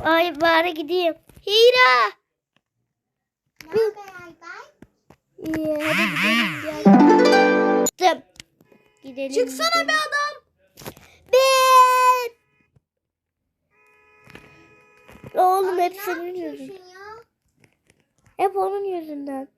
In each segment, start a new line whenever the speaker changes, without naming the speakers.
Ay bari gideyim. Hira. İyi hadi gidelim gel. Çıktım. Gidelim.
Çıksana be adam.
Ben. Oğlum hep senin yüzünden. Hep onun yüzünden.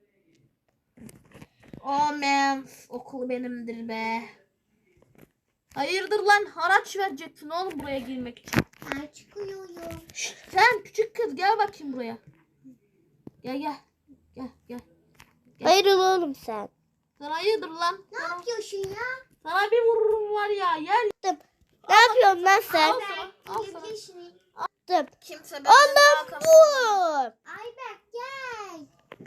Oh man. Okul benimdir be. Hayırdır lan, haraç verecektin oğlum buraya girmek için.
Ben çıkıyorum.
Şşt, sen küçük kız gel bakayım buraya. Gel. Gel.
Ayrıl oğlum sen.
Sen hayırdır lan?
Ne yapıyorsun ya?
Sana bir vururum var ya. Gel.
Ne yapıyorsun lan sen?
Al sana. Al sana.
Gidebilirsin.
Kimse
Allah'ım vur.
Ayberk gel.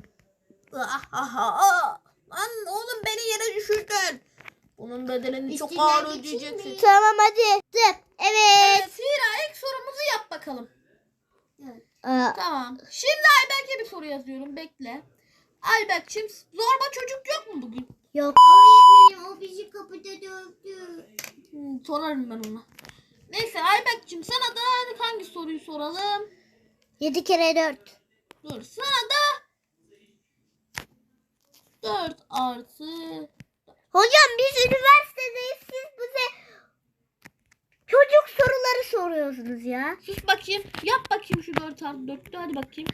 Lan oğlum beni yere düşürdün. Bunun bedelini çok
Üstünden
ağır
geçeyim
ödeyeceksin.
mi?
Tamam hadi. Evet.
Evet Hira, ilk sorumuzu yap bakalım.
Aa,
Tamam. Şimdi Ayberk'e bir soru yazıyorum. Bekle. Ayberk'cim, zorba çocuk yok mu bugün?
yok.
Öğretmenim o bizi kapıda dövdü.
Sorarım ben ona. Neyse Ayberk'cim, sana da hangi soruyu soralım?
7 kere 4.
Dur, sana da 4 artı.
Hocam biz üniversitedeyiz. Siz bize çocuk soruları soruyorsunuz ya.
Sus bakayım. Yap bakayım şu 4 artı 4'tü. Hadi bakayım.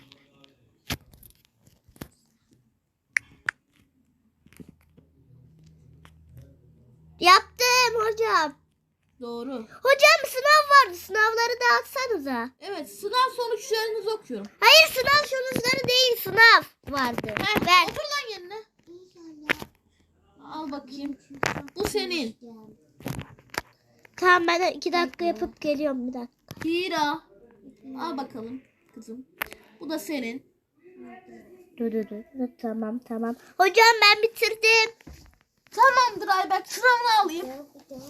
Yaptım hocam.
Doğru.
Hocam sınav vardı. Sınavları dağıtsanıza.
Evet, sınav sonuçlarınızı okuyorum.
Hayır sınav sonuçları değil. Sınav vardı. Ver.
Otur lan yerine.
İnşallah.
Al bakayım. Bu senin.
Tamam ben 2 dakika yapıp geliyorum bir dakika.
Hira. Al bakalım kızım. Bu da senin.
Dur. Tamam. Hocam ben bitirdim.
Tamamdır Ayberk. Sıramını alayım.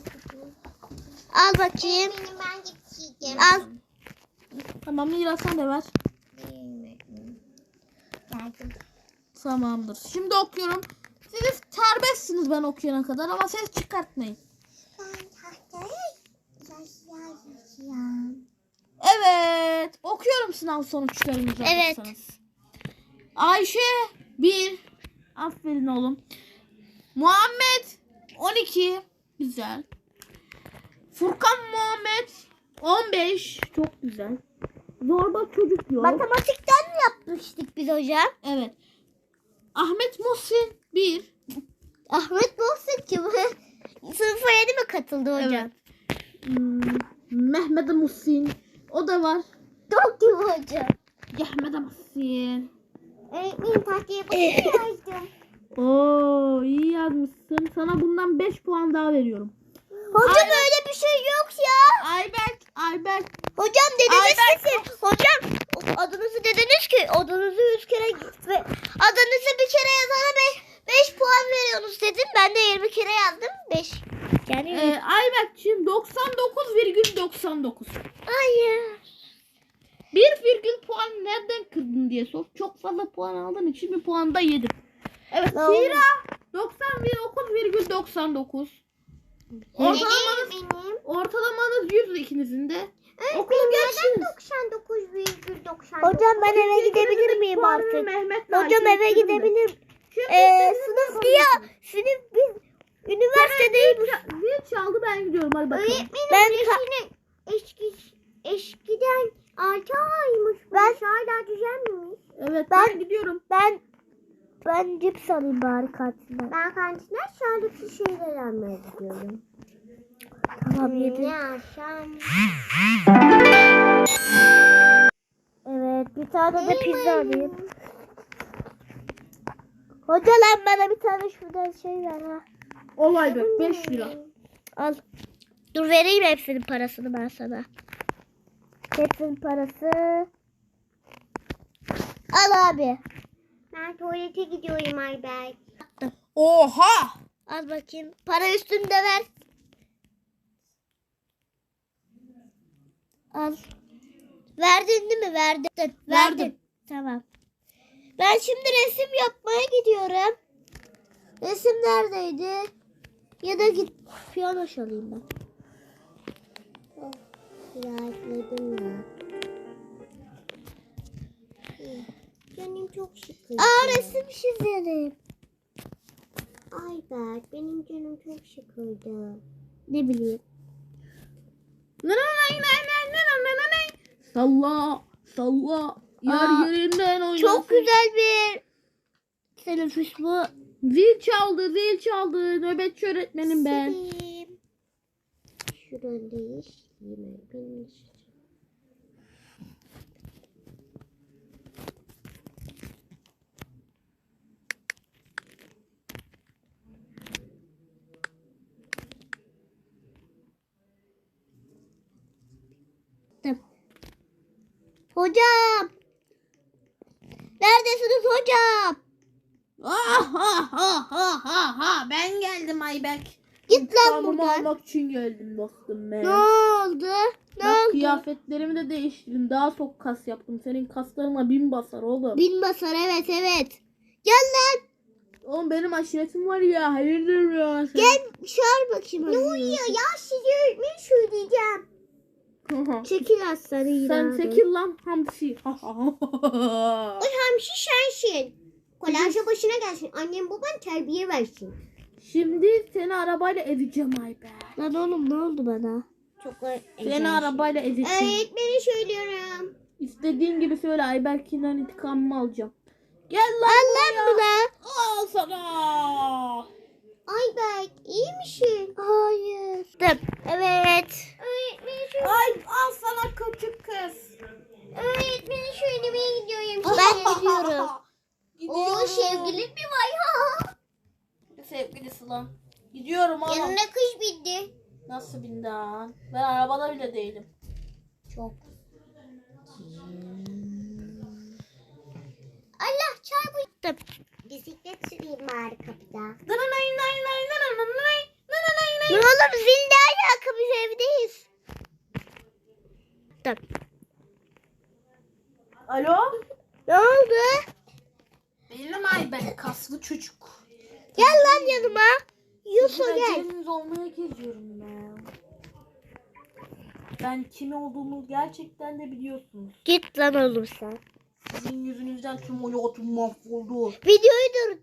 Al bakayım.
Benim ben gideceğim.
Al.
Tamam Hira, sen de ver. Tamamdır. Şimdi okuyorum. Siz serbestsiniz ben okuyana kadar ama ses çıkartmayın.
Ben tahtaya yaşayacağım.
Evet. Okuyorum sınav sonuçlarınızı.
Evet.
hazırsanız. Ayşe 1. Aferin oğlum. Muhammed 12. Güzel. Furkan Muhammed 15. Çok güzel. Zorba çocuk yok.
Matematikten mi yapmıştık biz hocam?
Evet. Ahmet Muhsin 1.
Ahmet Muhsin kim? Sınıfa yeni mi katıldı hocam?
Evet. Mehmet Muhsin. O da var.
Çok kim hocam?
Mehmet Muhsin.
Öğretmenim tahtaya bakıp yazdım.
Oo, iyi yazmışsın. Sana bundan 5 puan daha veriyorum.
Hocam öyle bir şey yok ya.
Ayberk.
Hocam dediniz
Ayberk.
ki siz. Hocam adınızı dediniz ki adınızı 3 kere ve adınızı bir kere yazana 5 puan veriyorsunuz dedim. Ben de 20 kere yazdım 5. Yani
Ayberk'cim 99,99.
hayır.
1 virgül puan nereden kırdın diye sor. Çok fazla puan aldığın için bir puan da yedim. Evet
Ne oldu?
Hira 99,99. Ortalamanız 100 ikinizin de. Okulu geçtiniz.
99,99.
Hocam ben eve
Çünkü
gidebilir
ikinizin de
miyim
puanını
artık?
Mehmet'le
Hocam
Ayşe
eve
yükledim de.
gidebilir.
Şimdi
Sınıf ya. Sınıf biz üniversitedeyim.
Zil çaldı, ben gidiyorum, hadi bakalım.
Öğretmenim
Ben
eskiden 6 aymış. Ben hala düzenlemiş.
Evet
Ben-
ben gidiyorum.
Ben cips alayım bari kantinden.
Ben kantinden sağlıklı şeyler almaya gidiyorum.
Tamam yedim.
Ne alsam?
Evet bir tane de pizza alayım. Hoca lan bana bir tane şuradan şey ver ha.
Olay be 5 lira.
Al. Dur vereyim hepsinin parasını ben sana. Hepsinin parası. Al abi.
Ben tuvalete gidiyorum Ayberk.
Oha!
Al bakayım. Para üstünde ver. Al. Verdin değil mi? Verdin.
Verdim.
Tamam. Ben şimdi resim yapmaya gidiyorum. Resim neredeydi? Ya da git piyano çalayım ben.
Rahatladım ya. çok sıkıldı.
Resim çizelim.
Ayberk benim canım çok sıkıldı.
Ne bileyim.
Salla salla. Yer yerinden oynasın.
Çok güzel bir teneffüs bu.
Zil çaldı, zil çaldı. Nöbetçi öğretmenim ben.
Sileyim. Şuradan değiştireyim. Benim
Hocam. Neredesiniz hocam?
Ben geldim Ayberk.
Git lan
İntikamımı
buradan.
almak için geldim dostum ben.
Ne oldu? Ne
Bak
oldu?
kıyafetlerimi de değiştirdim. Daha çok kas yaptım. Senin kaslarına 1000 basar oğlum.
Bin basar, evet. Gel lan.
Oğlum benim aşiretim var ya. Hayırdır ya.
Gel çağır bakayım.
ne oluyor ya, size öğretmeni söyleyeceğim.
Çekil aslanı
Sen çekil lan hamsi.
Ay hamsi sensin. Kolayca başına gelsin. Annem baban terbiye versin.
Şimdi seni arabayla ezeceğim Ayberk.
Lan oğlum ne oldu bana?
Çok
Seni arabayla ezeceğim.
öğretmeni söylüyorum.
İstediğin gibi söyle Ayberk'inden intikamımı alacağım. Gel lan
Al lan buna.
Al sana.
Ayberk iyi misin?
Hayır. Evet.
Öğretmeni söyle.
Ay al sana küçük kız.
Öğretmeni söylemeye gidiyorum.
Ben gidiyorum.
Oo sevgilin mi var ya?
Sevgilisi lan. Gidiyorum oğlum.
Yanına kış bindi.
Nasıl bindan? Ben arabada bile değilim.
Çok. Allah çarptım. Bisiklet süreyim bari kapıda.
Ne oğlum zil ne alaka, biz evdeyiz. Dur.
Alo?
Ne oldu?
Benim Ayberk kaslı çocuk.
Gel lan yanıma. Yusuf gel.
Aceleniz olmaya geziyorum ben. Ben kim olduğumu gerçekten de biliyorsunuz.
Git lan oğlum sen.
Sizin yüzünüzden tüm hayatım mahvoldu.
Videoyu dur.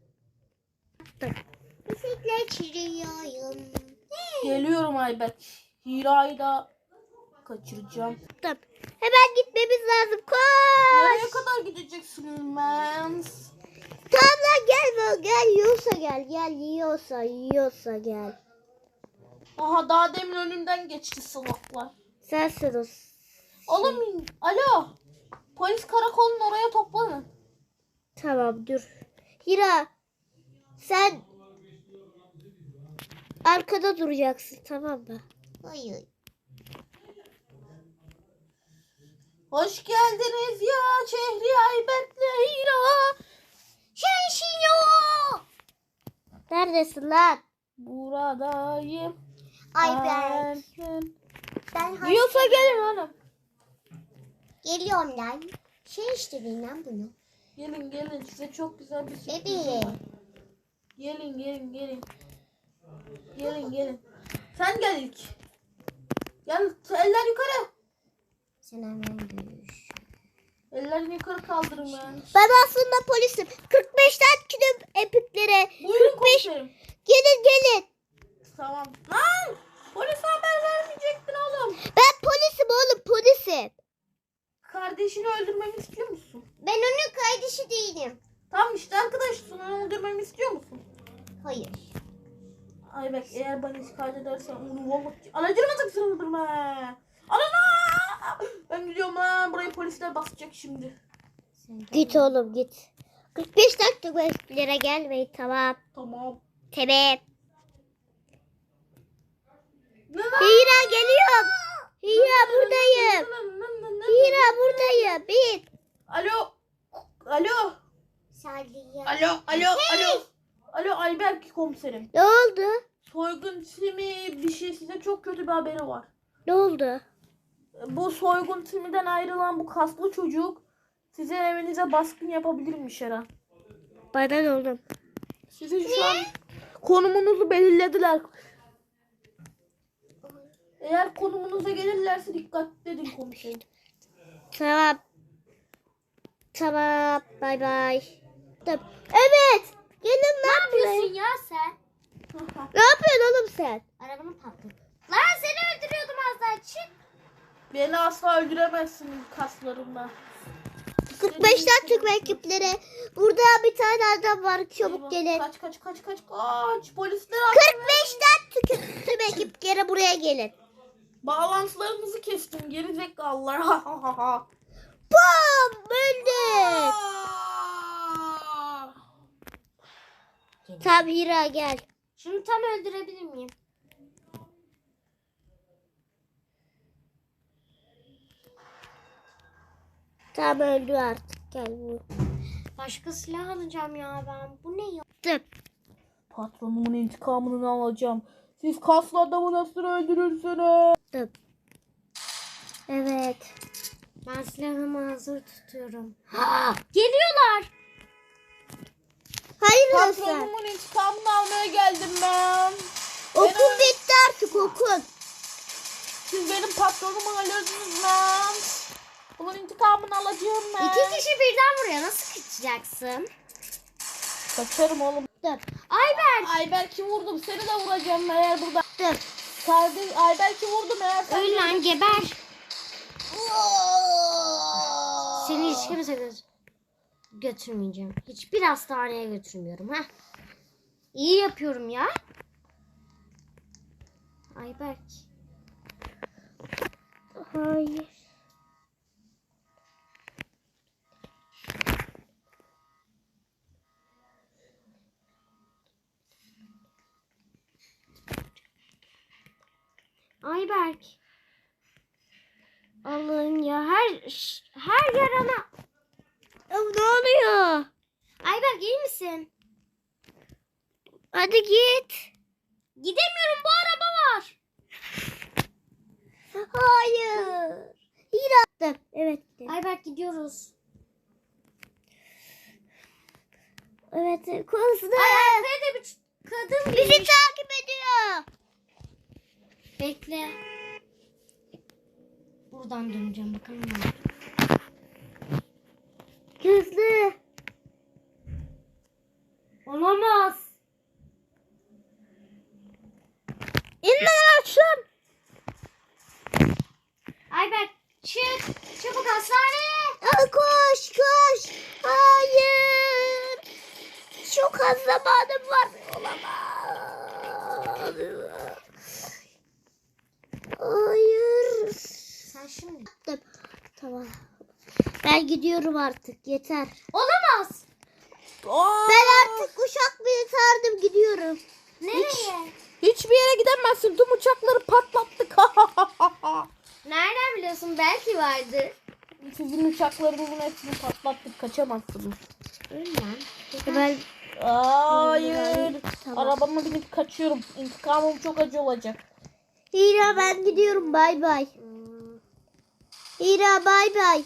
Bisiklet sürüyorum.
Geliyorum Ayberk. Hira'yı da kaçıracağım.
Dur. Hemen gitmemiz lazım.
Nereye
Koş.
kadar gideceksiniz mens?
Tamam lan gel. Gel yiyorsa gel. Gel yiyorsa gel.
Aha daha demin önümden geçti salaklar.
Sensin o.
Oğlum alo. Polis karakolunun oraya toplanın.
Tamam dur. Hira sen arkada duracaksın, tamam mı?
Hayır.
Hoş geldiniz ya Şehri Ayberk'le Hira.
Sensin o.
Neredesin lan?
Buradayım.
Ayberk. Ben
Yiyorsa gelin hanım.
geliyorum lan. Şey işte lan bunu.
Gelin size çok güzel bir sürpriz
Bebeğim.
var. Gelin. Gelin. Sen gel ilk. Gel eller yukarı.
Sen hemen görüş.
Ellerini yukarı kaldırın ben.
Ben aslında polisim. 45'ten gidip epiklere.
Buyurun komiserim.
Gelin.
Tamam. Lan! Polise haber vermeyecektin oğlum.
Ben polisim.
Kardeşini öldürmemi istiyor musun?
Ben onun kardeşi değilim.
Tamam işte arkadaşsın. Onu öldürmemi istiyor musun?
Hayır.
Ay bak eğer bana şikayet edersen onu vallahi... Anacığımı tıksın öldürme. Anana! Ben gidiyorum lan. Burayı polisler basacak şimdi.
Git oğlum git. 45 dakika epiklere gelmeyin, tamam.
Tamam.
Tamam. Hira geliyorum. Hira buradayım. Bin.
Alo.
Saliye.
Alo Ayberk komiserim.
Ne oldu?
Soygun timi bir şey size çok kötü bir haberi var.
Ne oldu?
Bu soygun timinden ayrılan bu kaslı çocuk sizin evinize baskın yapabilirmiş her an.
Bana ne oğlum?
Sizin şu an konumunuzu belirlediler. Eğer konumunuza gelirlerse dikkatli edin komiserim.
Tamam. Tamam. Bay bay. Evet. Gelin
Ne
lan
yapıyorsun
buraya.
ya sen?
Ne yapıyorsun oğlum sen?
Arabanı patladı. Lan seni öldürüyordum az daha, çık.
Beni asla öldüremezsin kaslarımla.
45'ten Türk ekiplere. Burada bir tane adam var. Çabuk
Eyvah,
gelin.
Kaç. Polisler
45'ten Türk ekiplere buraya gelin.
bağlantılarınızı kestim geri zekalılar.
Bam! Öldü. Tamam Hira gel.
Şunu tam öldürebilir miyim?
Tamam öldü artık. Gel bu.
Başka silah alacağım ya ben. Bu ne ya?
Tıp.
Patronumun intikamını alacağım. Siz kaslı adamı nasıl öldürürsünüz?
Tıp. Evet.
Ben silahımı hazır tutuyorum. Ha! Geliyorlar.
Hayır Hasan.
Patronumun intikamını almaya geldim ben.
Okul bitti artık okul.
Siz benim patronumu öldürdünüz lan. Bunun intikamını alacağım ben.
İki kişi birden vuruyor. Nasıl kaçacaksın?
Kaçarım oğlum.
Tıp.
Ayber.
Ayberk'i vurdum. Seni de vuracağım eğer burada.
Tıp.
Kardeş Ayberk'i vurdum eğer sen.
Öl lan, geber. Seni hiç kimse götürmeyeceğim. Hiçbir hastaneye götürmüyorum. Ha? İyi yapıyorum ya. Ayberk.
Hayır.
Ayberk. Allah'ım ya, her yarana.
Ya ne oluyor?
Ayberk iyi misin?
Hadi git.
Gidemiyorum, bu araba var.
Hayır. Hira. Tıp. Evet. Tıp.
Ayberk gidiyoruz.
Evet. Kızdı.
Ay arkaya da bir kadın
Bizi
girmiş.
takip ediyor.
Bekle. Buradan döneceğim bakalım ne olacak.
Hızlı.
Olamaz.
İnme aşağı.
Ayberk çık. Çabuk hastaneye.
Aa, koş koş. Hayır. Çok az zamanım var. Olamaz. Hayır.
Sen şimdi.
Tamam. Ben gidiyorum artık. Yeter.
Olamaz.
Ben artık uçak binetardım. Gidiyorum.
Nereye?
Hiçbir yere gidemezsin. Tüm uçakları patlattık.
Nereden biliyorsun? Belki vardır.
Sizin uçaklarınızın hepsini patlattık. Kaçamazsınız.
Öyle lan.
Ben
Hayır.
Tamam.
Arabama binip kaçıyorum. İntikamım çok acı olacak.
Hira ben gidiyorum. Bay bay. Hira bay bay.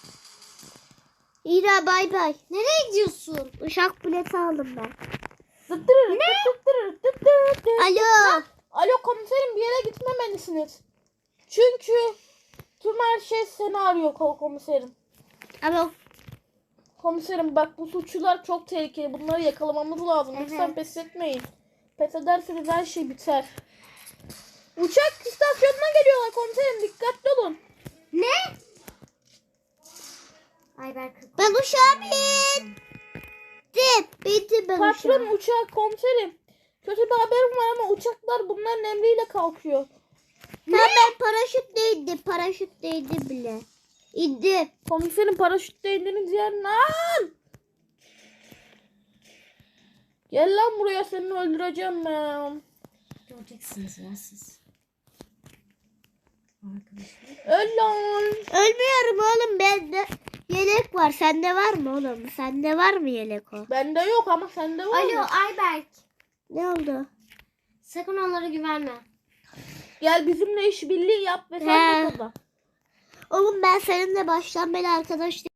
Hira bay bay.
Nereye gidiyorsun?
Uçak bileti aldım ben.
Ne?
Alo.
Alo komiserim, bir yere gitmemelisiniz. Çünkü tüm her şey seni arıyor komiserim.
Alo.
Komiserim bak, bu suçlular çok tehlikeli. Bunları yakalamamız lazım.
Evet.
Lütfen pes etmeyin. Pes ederseniz her şey biter. Uçak istasyonuna geliyorlar komiserim. Dikkatli olun.
Ne? Ayberk.
Ben uçağa bindim. Bindim ben
Patron
uçağa.
uçak komiserim. Kötü bir haberim var ama uçaklar bunların emriyle kalkıyor.
Ben paraşütle indim. Paraşütle indim bile. İndim.
Komiserim paraşütle indiğiniz yer lan. Gel lan buraya, seni öldüreceğim ben.
Göreceksiniz ya siz. Arkadaşlar.
Öl lan.
Ölmüyorum oğlum. Bende yelek var. Sende var mı oğlum? Sende var mı yelek o?
Bende yok ama sende var
Alo
mı?
Ayberk.
Ne oldu?
Sakın onlara güvenme.
Gel bizimle işbirliği yap ve sen
He.
de kazan.
Oğlum ben seninle baştan beri arkadaş